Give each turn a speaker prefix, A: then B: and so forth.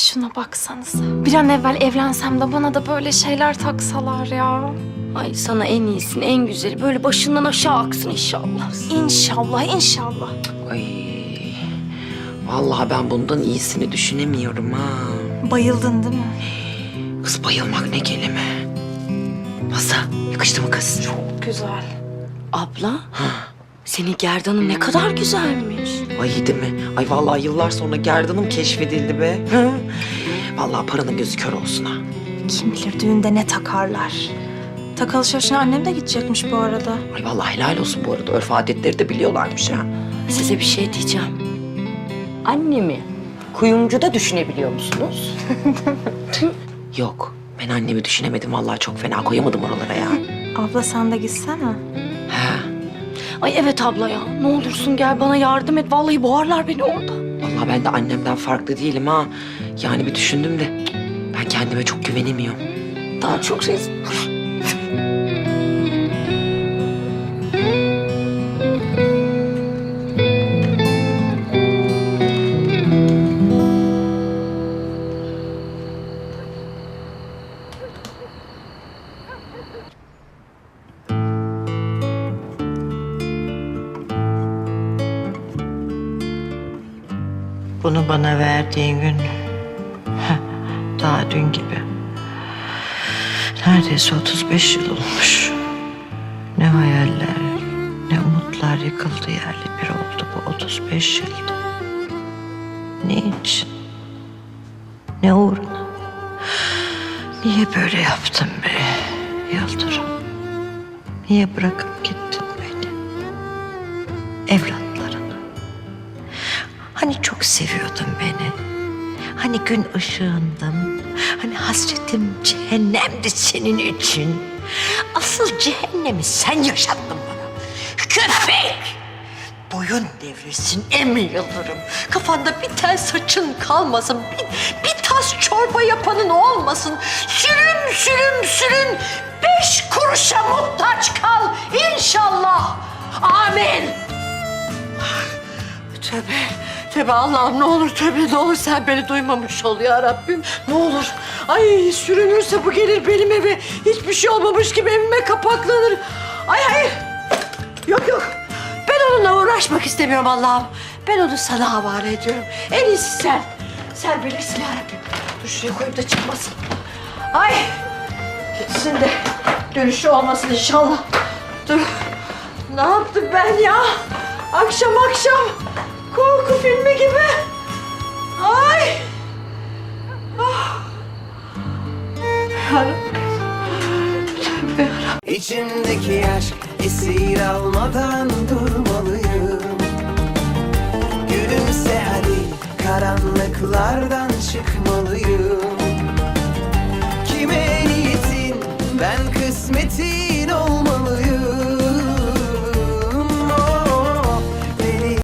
A: Şuna baksanıza. Bir an evvel evlensem de bana da böyle şeyler taksalar ya.
B: Ay sana en iyisini, en güzeli böyle başından aşağı aksın inşallah.
A: İnşallah, inşallah.
C: Ay. Vallahi ben bundan iyisini düşünemiyorum ha.
A: Bayıldın değil mi?
C: Kız bayılmak ne kelime. Nasıl? Yakıştı mı kız?
A: Çok güzel.
B: Abla, senin gerdanın ne kadar güzelmiş.
C: Ay değil mi? Ay vallahi yıllar sonra gerdanım keşfedildi be. Hı. Vallahi paranın gözü kör olsun ha.
A: Kim bilir düğünde ne takarlar. Tak alışverişine annem de gidecekmiş bu arada.
C: Ay vallahi helal olsun bu arada. Örf adetleri de biliyorlarmış ha.
B: Size bir şey diyeceğim. Annemi kuyumcuda düşünebiliyor musunuz?
C: Yok. Ben annemi düşünemedim. Vallahi çok fena koyamadım oralara ya.
A: Abla sen de gitsene.
C: He.
B: Ay evet abla ya. Ne olursun gel bana yardım et. Vallahi boğarlar beni orada.
C: Vallahi ben de annemden farklı değilim ha. Yani bir düşündüm de ben kendime çok güvenemiyorum.
B: Daha çok şey...
D: Bunu bana verdiğin gün daha dün gibi. Neredeyse 35 yıl olmuş. Ne hayaller, ne umutlar yıkıldı yerli bir oldu bu 35 yıl. Ne için? Ne uğruna? Niye böyle yaptın be Yıldırım? Niye bırakıp gittin beni? Evlatlarını. Hani çok seviyordun beni. Hani gün ışığındım. Hani hasretim cehennemdi senin için. Asıl cehennemi sen yaşattın bana. Köpek! Boyun devrilsin Emin Yıldırım. Kafanda bir tel saçın kalmasın. Bir tas çorba yapanın olmasın. Sürün sürün sürün. 5 kuruşa muhtaç kal inşallah. Amin. Tövbe, tövbe Allah'ım ne olur tövbe ne olur sen beni duymamış ol ya Rabbim. Ne olur. Ay sürünürse bu gelir benim eve. Hiçbir şey olmamış gibi evime kapaklanır. Ay hayır. Yok yok. Ben onunla uğraşmak istemiyorum Allah'ım. Ben onu sana havale ediyorum. En iyisi sen. Sen bilirsin ya Rabbim. Dur şuraya koyup da çıkmasın. Ay. Gitsin de dönüşü olmasın inşallah. Dur. Ne yaptım ben ya? Akşam korku filmi gibi. Ay. Ah. Yarabbim. Tövbe yarabbim.
E: İçimdeki aşk esir almadan durmalıyım. Gülümse hadi karanlıklardan çıkmalıyım. Kime niyetin ben kısmetim